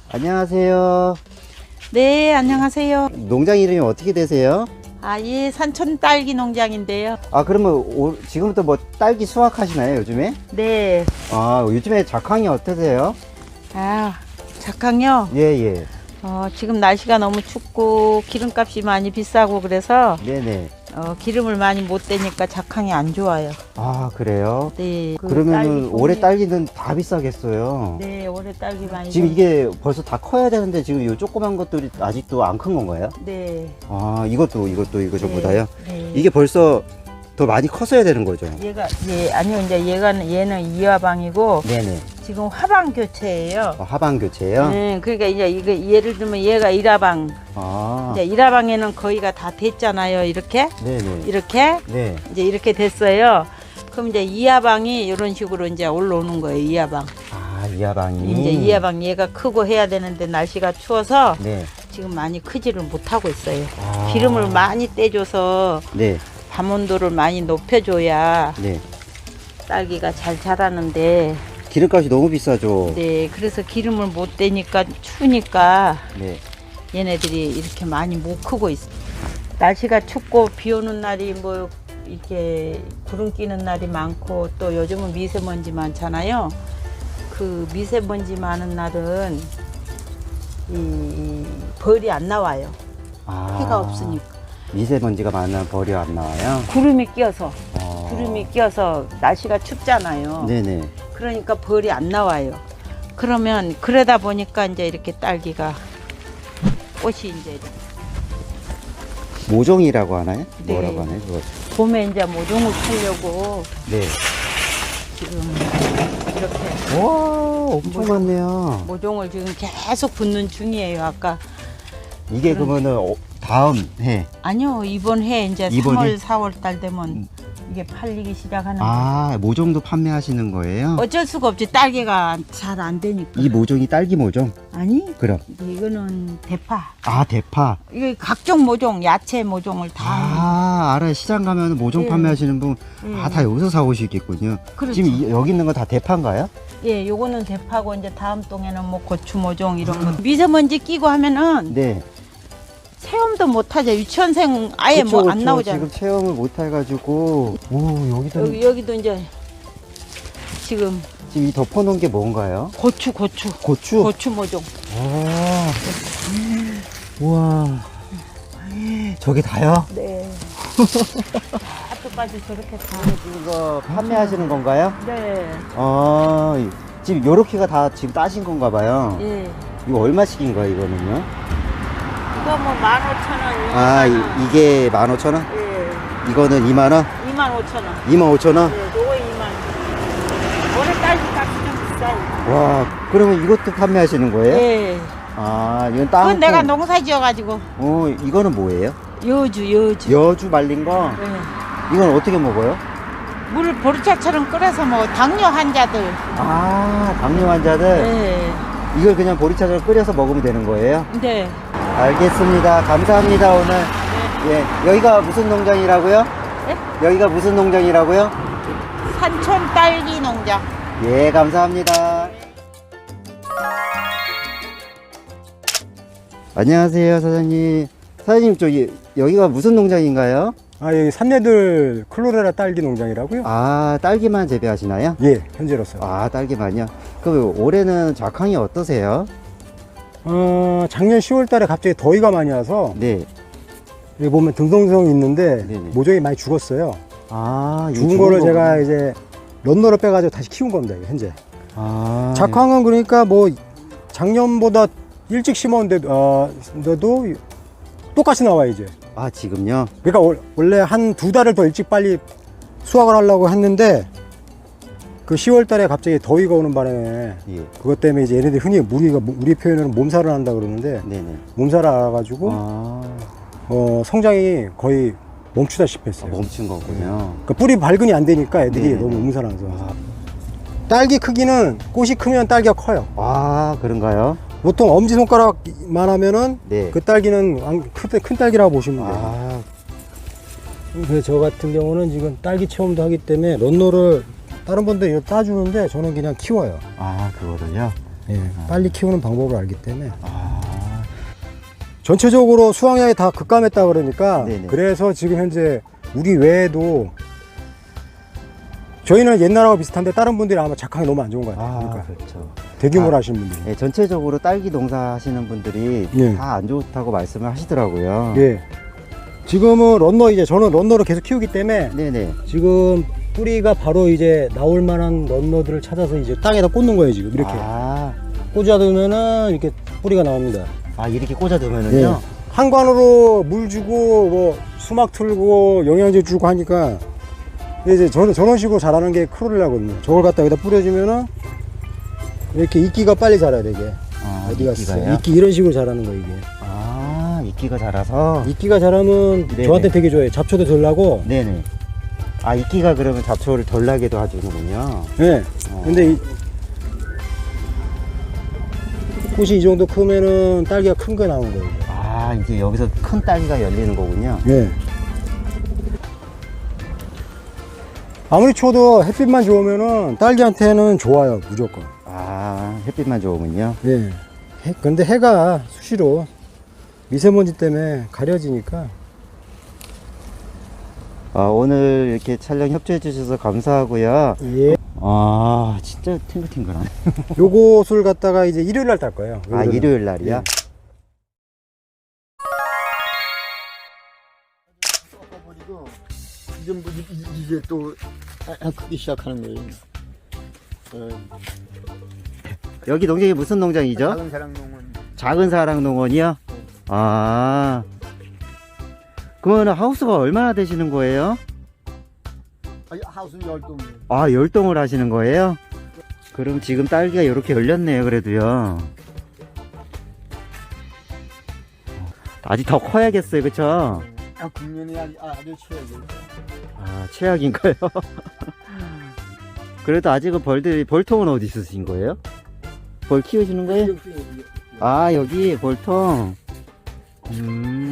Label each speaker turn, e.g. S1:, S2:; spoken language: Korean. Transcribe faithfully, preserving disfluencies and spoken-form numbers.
S1: 안녕하세요.
S2: 네, 안녕하세요.
S1: 농장 이름이 어떻게 되세요?
S2: 아, 예, 산촌 딸기 농장인데요.
S1: 아, 그러면 오, 지금부터 뭐 딸기 수확하시나요, 요즘에?
S2: 네.
S1: 아, 요즘에 작황이 어떠세요?
S2: 아, 작황요.
S1: 예, 예.
S2: 어, 지금 날씨가 너무 춥고 기름값이 많이 비싸고 그래서
S1: 네네.
S2: 어, 기름을 많이 못 대니까 작황이 안 좋아요.
S1: 아, 그래요?
S2: 네. 그
S1: 그러면은
S2: 딸기
S1: 올해
S2: 종류-
S1: 딸기는 다 비싸겠어요.
S2: 네, 올해 딸기 많이.
S1: 지금
S2: 좀-
S1: 이게 벌써 다 커야 되는데 지금 요 조그만 것들이 아직도 안 큰 건가요?
S2: 네.
S1: 아, 이것도 이것도 이거 전부
S2: 네,
S1: 다요?
S2: 네.
S1: 이게 벌써 더 많이 컸어야 되는 거죠?
S2: 얘가 예, 아니요. 이제 얘가 얘는 이화방이고
S1: 네네.
S2: 지금 화방 교체예요.
S1: 어, 하반 교체요?
S2: 네, 그러니까 이제 이거 예를 들면 얘가 일화방.
S1: 아,
S2: 이제 일화방에는 거의가 다 됐잖아요. 이렇게.
S1: 네네.
S2: 이렇게
S1: 네.
S2: 이제 이렇게 됐어요. 그럼 이제 이하방이 이런 식으로 이제 올라오는 거예요. 이하방.
S1: 아, 이 하방이.
S2: 이제 이하방 얘가 크고 해야 되는데 날씨가 추워서
S1: 네.
S2: 지금 많이 크지를 못하고 있어요.
S1: 아.
S2: 기름을 많이 떼줘서
S1: 네.
S2: 밤 온도를 많이 높여줘야
S1: 네.
S2: 딸기가 잘 자라는데,
S1: 기름값이 너무 비싸죠?
S2: 네, 그래서 기름을 못 떼니까 추우니까
S1: 네.
S2: 얘네들이 이렇게 많이 못 크고 있어요. 날씨가 춥고 비 오는 날이 뭐 이렇게 구름 끼는 날이 많고 또 요즘은 미세먼지 많잖아요. 그 미세먼지 많은 날은 이 벌이 안 나와요.
S1: 아.
S2: 해가 없으니까.
S1: 미세먼지가 많으면 벌이 안 나와요?
S2: 구름이 끼어서
S1: 아.
S2: 구름이 끼어서 날씨가 춥잖아요.
S1: 네네.
S2: 그러니까 벌이 안 나와요. 그러면 그러다 보니까 이제 이렇게 딸기가 꽃이 이제
S1: 모종이라고 하나요?
S2: 네.
S1: 뭐라고 하나요? 그거?
S2: 봄에 이제 모종을 팔려고
S1: 네.
S2: 지금 이렇게
S1: 와, 엄청 많네요.
S2: 모종을 지금 계속 붓는 중이에요. 아까
S1: 이게
S2: 그럼-
S1: 그러면은 어, 다음 해.
S2: 아니요, 이번 해 이제
S1: 이번
S2: 삼월
S1: 해?
S2: 사월 달 되면
S1: 음.
S2: 이게 팔리기 시작하는.
S1: 아, 모종도 판매하시는 거예요?
S2: 어쩔 수가 없지. 딸기가 잘 안 되니까.
S1: 이 모종이 딸기 모종?
S2: 아니,
S1: 그럼.
S2: 이거는 대파.
S1: 아, 대파.
S2: 이게 각종 모종, 야채 모종을 다.
S1: 아, 알아요. 시장 가면 모종
S2: 예.
S1: 판매하시는 분,
S2: 예.
S1: 아, 다 여기서 사오시겠군요.
S2: 그렇죠.
S1: 지금 이- 여기 있는 건 다 대파인가요?
S2: 예, 요거는 대파고 이제 다음 동에는 뭐 고추 모종 이런 거. 미세먼지 끼고 하면은
S1: 네.
S2: 체험도 못 하죠. 유치원생 아예
S1: 그쵸,
S2: 뭐 안
S1: 그쵸.
S2: 나오잖아.
S1: 지금 체험을 못 해가지고. 오, 여기도.
S2: 여기 여기도 이제 지금
S1: 지금 이 덮어놓은 게 뭔가요?
S2: 고추 고추
S1: 고추?
S2: 고추 모종.
S1: 아. 우와. 저게 다요?
S2: 네. 앞에까지 저렇게 다.
S1: 이거 판매하시는 건가요?
S2: 네.
S1: 아, 이- 지금 요렇게가 다 지금 따신 건가 봐요.
S2: 예.
S1: 이거 얼마씩인가요, 이거는요?
S2: 이거 뭐 만 오천 원.
S1: 아, 이, 이게 만 오천 원?
S2: 예.
S1: 이거는 이만 원?
S2: 이만 오천 원.
S1: 이만 오천 원?
S2: 예, 요거 이만 원. 올해 딸기 값이 좀 비싸요.
S1: 와, 그러면 이것도 판매하시는 거예요?
S2: 예.
S1: 아, 이건 땅.
S2: 그건 내가 농사 지어가지고
S1: 어, 이거는 뭐예요?
S2: 여주 여주.
S1: 여주 말린 거?
S2: 예.
S1: 이건 어떻게 먹어요?
S2: 물 보리차처럼 끓여서 뭐 당뇨 환자들.
S1: 아, 당뇨 환자들?
S2: 예.
S1: 이걸 그냥 보리차처럼 끓여서 먹으면 되는 거예요?
S2: 네.
S1: 알겠습니다. 감사합니다, 오늘.
S2: 네.
S1: 예, 여기가 무슨 농장이라고요?
S2: 네?
S1: 여기가 무슨 농장이라고요?
S2: 산촌 딸기 농장.
S1: 예, 감사합니다. 안녕하세요, 사장님. 사장님, 저기, 여기가 무슨 농장인가요?
S3: 아, 여기 산내들 클로레라 딸기 농장이라고요?
S1: 아, 딸기만 재배하시나요?
S3: 예, 현재로서.
S1: 아, 딸기만요? 그럼 올해는 작황이 어떠세요?
S3: 어, 작년 시월 달에 갑자기 더위가 많이 와서
S1: 네.
S3: 여기 보면 등성성이 있는데
S1: 네네.
S3: 모종이 많이 죽었어요.
S1: 아, 이거
S3: 죽은 거를
S1: 거구나.
S3: 제가 이제 런너로 빼가지고 다시 키운 겁니다, 이거 현재.
S1: 아,
S3: 작황은 그러니까 뭐 작년보다 일찍 심었는데, 어, 데도 똑같이 나와, 이제.
S1: 아, 지금요?
S3: 그러니까 월- 원래 한 두 달을 더 일찍 빨리 수확을 하려고 했는데 그 시월 달에 갑자기 더위가 오는 바람에
S1: 예.
S3: 그것 때문에 이제 얘네들이 흔히 우리가 우리 표현으로는 몸살을 한다 그러는데
S1: 네네.
S3: 몸살을 알아가지고
S1: 아,
S3: 어, 성장이 거의 멈추다시피
S1: 아,
S3: 했어요.
S1: 멈춘 거군요.
S3: 그러니까 뿌리 발근이 안 되니까 애들이
S1: 네네네.
S3: 너무 몸살나서.
S1: 아,
S3: 딸기 크기는 꽃이 크면 딸기가 커요.
S1: 아, 그런가요?
S3: 보통 엄지손가락만 하면은
S1: 네.
S3: 그 딸기는 안- 큰, 큰 딸기라고 보시면 돼요.
S1: 아,
S3: 그래서 저 같은 경우는 지금 딸기 체험도 하기 때문에 런너를 다른 분들 이거 따주는데 저는 그냥 키워요.
S1: 아, 그거를요?
S3: 예, 빨리 키우는 방법을 알기 때문에.
S1: 아,
S3: 전체적으로 수확량이 다 급감했다 그러니까
S1: 네네.
S3: 그래서 지금 현재 우리 외에도 저희는 옛날하고 비슷한데 다른 분들이 아마 작황이 너무 안 좋은 것 같아요.
S1: 아,
S3: 그러니까
S1: 그렇죠.
S3: 대규모로
S1: 아,
S3: 하시는 분들이.
S1: 예, 전체적으로 딸기 농사 하시는 분들이
S3: 예.
S1: 다 안 좋다고 말씀을 하시더라고요.
S3: 예. 지금은 런너 이제 저는 런너를 계속 키우기 때문에
S1: 네네.
S3: 지금 뿌리가 바로 이제 나올 만한 런너들을 찾아서 이제 땅에다 꽂는 거예요 지금 이렇게
S1: 아,
S3: 꽂아두면은 이렇게 뿌리가 나옵니다.
S1: 아 이렇게 꽂아두면은요.
S3: 예. 한관으로 물 주고 뭐 수막 틀고 영양제 주고 하니까 이제 저는 저런 식으로 자라는 게 크롤이라거든요. 저걸 갖다 여기다 뿌려주면은 이렇게 이끼가 빨리 자라야 되게.
S1: 아,
S3: 어디 갔어?
S1: 이끼가요?
S3: 이끼 이런 식으로 자라는 거 이게.
S1: 아, 이끼가 자라서.
S3: 이끼가 자라면
S1: 네네.
S3: 저한테 되게 좋아요. 잡초도 덜 나고.
S1: 네네. 아, 이끼가 그러면 잡초를 덜 나게도 해주는군요.
S3: 네.
S1: 어.
S3: 근데 이 꽃이 이 정도 크면은 딸기가 큰 거 나오는 거예요.
S1: 아, 이제 여기서 큰 딸기가 열리는 거군요.
S3: 네. 아무리 추워도 햇빛만 좋으면은 딸기한테는 좋아요, 무조건.
S1: 아, 햇빛만 좋으면요.
S3: 네. 해, 근데 해가 수시로 미세먼지 때문에 가려지니까.
S1: 아, 오늘 이렇게 촬영 협조해 주셔서 감사하고요.
S3: 예.
S1: 아, 진짜 탱글탱글하네.
S3: 요것을 갖다가 이제 일요일 날 딸 거예요.
S1: 아,
S3: 요거는.
S1: 일요일 날이요?
S3: 예.
S4: 꺾어버리고 이제 뭐 이- 이- 이제 또 아- 아, 크기 시작하는 거예요. 어,
S1: 여기 농장이 무슨 농장이죠?
S4: 작은 사랑농은
S1: 작은 사랑 농원이요? 아. 그러면 하우스가 얼마나 되시는 거예요?
S4: 아니, 하우스는 열동.
S1: 아, 열동을 하시는 거예요? 그럼 지금 딸기가 이렇게 열렸네요, 그래도요. 아직 더 커야겠어요, 그쵸?
S4: 아, 금년에 아주 아주 최악이에요.
S1: 아, 최악인가요? 그래도 아직은 벌들이, 벌통은 어디 있으신 거예요? 벌 키우시는 거예요? 아, 여기 벌통. 음.